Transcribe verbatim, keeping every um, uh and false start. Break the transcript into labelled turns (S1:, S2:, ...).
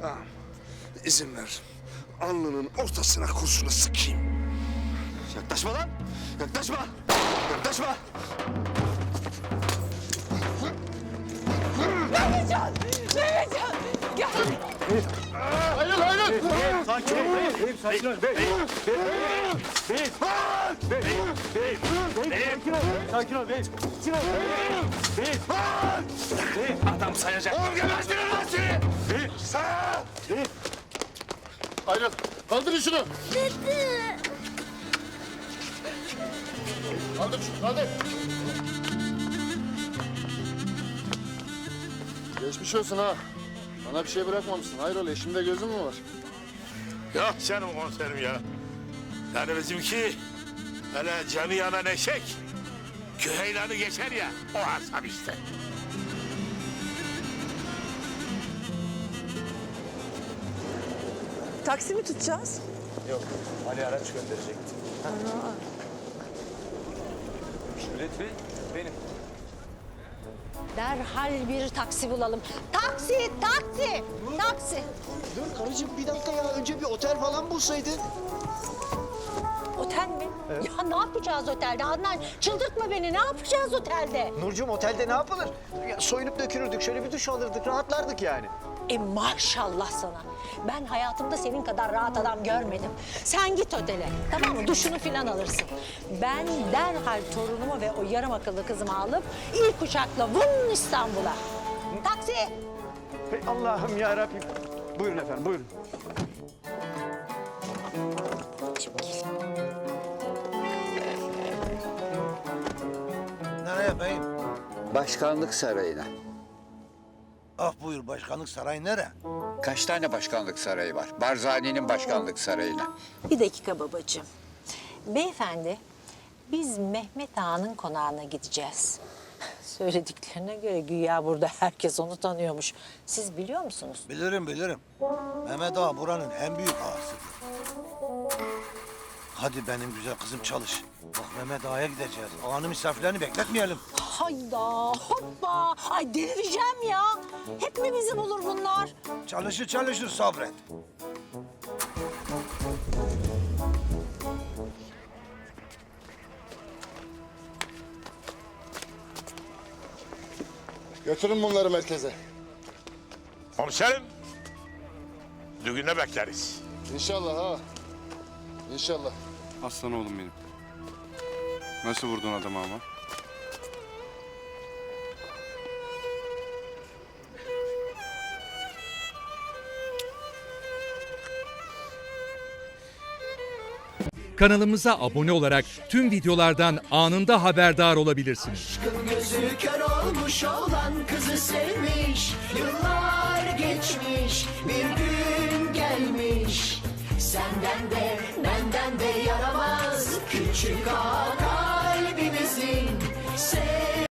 S1: Tamam. İzin ver. Alnının ortasına kurşunu sıkayım.
S2: Yaklaşma lan! Yaklaşma! Yaklaşma!
S3: Mehmetcan! Mehmetcan! Gel!
S1: Hayır, hayır!
S2: Sakin ol beyim, beyim sakin ol. Beyim, beyim, beyim, beyim, beyim, beyim, sakin ol, sakin ol beyim. Sakin ol, beyim, beyim. Adam sayacak.
S1: Oğlum gebertirim lan seni!
S2: Beyim,
S1: Sağ!
S2: beyim.
S1: Ayrıl. Kaldırın şunu. Kaldır şunu, kaldır. Geçmiş olsun ha. Bana bir şey bırakmamışsın. Hayrola, eşimde gözün mü var?
S4: Yok canım komiserim ya. Yani bizimki öyle canı yanan eşek küheylanı geçer ya, o asap işte.
S3: Taksi mi tutacağız?
S2: Yok, Ali araç gönderecekti. Şöhret Bey, benim.
S5: Derhal bir taksi bulalım. Taksi, taksi, taksi.
S6: Dur karıcığım bir dakika ya. Önce bir otel falan bulsaydın.
S5: Otel mi? Ya ne yapacağız otelde? Adnan çıldırtma beni. Ne yapacağız otelde?
S6: Nurcuğum otelde ne yapılır? Ya, soyunup dökülürdük. Şöyle bir duş alırdık. Rahatlardık yani.
S5: E maşallah sana. Ben hayatımda senin kadar rahat adam görmedim. Sen git otele. Tamam mı? Duşunu falan alırsın. Ben derhal torunumu ve o yarım akıllı kızımı alıp ilk uçakla vın İstanbul'a. Taksi.
S6: Hey Allah'ım ya Rabbim. Buyurun efendim, buyurun.
S7: Nereye beyim?
S8: Başkanlık sarayına.
S7: Ah buyur, başkanlık sarayı nere?
S8: Kaç tane başkanlık sarayı var? Barzani'nin başkanlık sarayına.
S5: Bir dakika babacığım. Beyefendi, biz Mehmet Ağa'nın konağına gideceğiz. Söylediklerine göre güya burada herkes onu tanıyormuş. Siz biliyor musunuz?
S7: Bilirim bilirim. Mehmet Ağa buranın en büyük ağasıdır. Hadi benim güzel kızım çalış. Bak Mehmet Ağa'ya gideceğiz. Ağanın misafirlerini bekletmeyelim.
S5: Hayda, hoppa. Ay delireceğim ya. Hep mi bizi bulur bunlar?
S7: Çalışır çalışır sabret.
S1: Götürün bunları merkeze.
S4: Komiserim, düğüne bekleriz.
S1: İnşallah ha. İnşallah.
S9: Aslan oğlum benim. Nasıl vurdun adamı ama?
S10: Kanalımıza abone olarak tüm videolardan anında haberdar olabilirsiniz.
S6: Aşkın gözü kör olmuş olan kızı sevmiş. Yıllar geçmiş, bir gün gelmiş. Senden de benden de yaramaz küçük ağa kalbimizin.